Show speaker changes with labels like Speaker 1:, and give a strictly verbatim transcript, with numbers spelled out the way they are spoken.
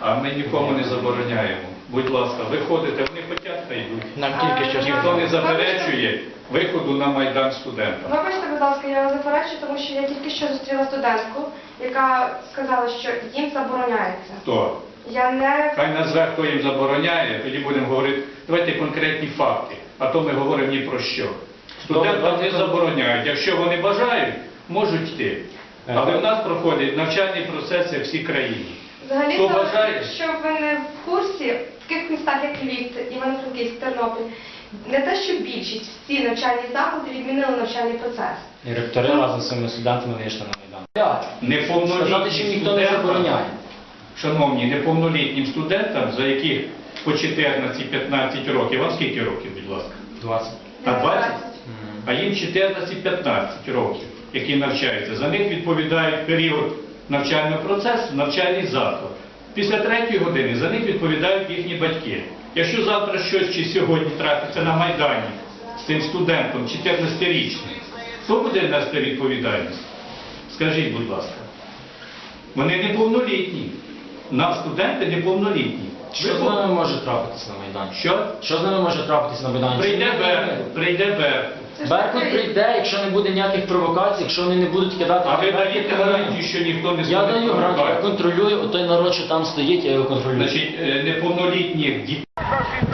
Speaker 1: А ми нікому не забороняємо. Будь ласка, виходите, вони хочуть, хай йдуть.
Speaker 2: Нам тільки що
Speaker 1: Ніхто не заперечує виходу на Майдан студентам.
Speaker 3: Вибачте, будь ласка, я вас заперечую, тому що я тільки що зустріла студентку, яка сказала, що їм забороняється.
Speaker 1: Хто?
Speaker 3: Я не...
Speaker 1: Хай назве, хто їм забороняє, тоді будемо говорити. Давайте конкретні факти, а то ми говоримо ні про що. Студентам не забороняють. Якщо вони бажають, можуть йти. Але в нас проходить навчальний процес як всій країні.
Speaker 3: Взагалі,
Speaker 1: Хто
Speaker 3: то,
Speaker 1: бажає?
Speaker 3: що ви не в курсі, в таких містах, як Львів, Івано-Франківськ, Тернопіль, не те, що більшість, всі навчальні заклади відмінили навчальний процес.
Speaker 2: І ректори разом з своїми студентами вийшли на Майдан. Сказати, що
Speaker 1: Неповнолітнім
Speaker 2: ніхто не
Speaker 1: студентам,
Speaker 2: забороняє.
Speaker 1: шановні, неповнолітнім студентам, за яких по чотирнадцять-п'ятнадцять років, вам скільки років, будь ласка?
Speaker 2: двадцять.
Speaker 1: А двадцять? А їм чотирнадцять-п'ятнадцять років, які навчаються. За них відповідають період навчального процесу, навчальний заклад. Після третьої години за них відповідають їхні батьки. Якщо завтра щось чи сьогодні трапиться на Майдані з цим студентом чотирнадцятирічним, хто буде нести відповідальність? Скажіть, будь ласка. Вони неповнолітні. Нам студенти неповнолітні.
Speaker 2: Що з ними може трапитися на Майдані?
Speaker 1: Що?
Speaker 2: Що з ними може трапитися на Майдані?
Speaker 1: Прийде
Speaker 2: Чи ні?
Speaker 1: Беркут, прийде Беркут.
Speaker 2: Беркут прийде, якщо не буде ніяких провокацій, якщо вони не будуть кидати...
Speaker 1: А ви
Speaker 2: ракети,
Speaker 1: даєте
Speaker 2: то-
Speaker 1: гарантію, що ніхто не
Speaker 2: Я даю гарантію, я
Speaker 1: провокацій?
Speaker 2: контролюю, той народ, що там стоїть, я його контролюю.
Speaker 1: Значить, е, неповнолітніх дітей.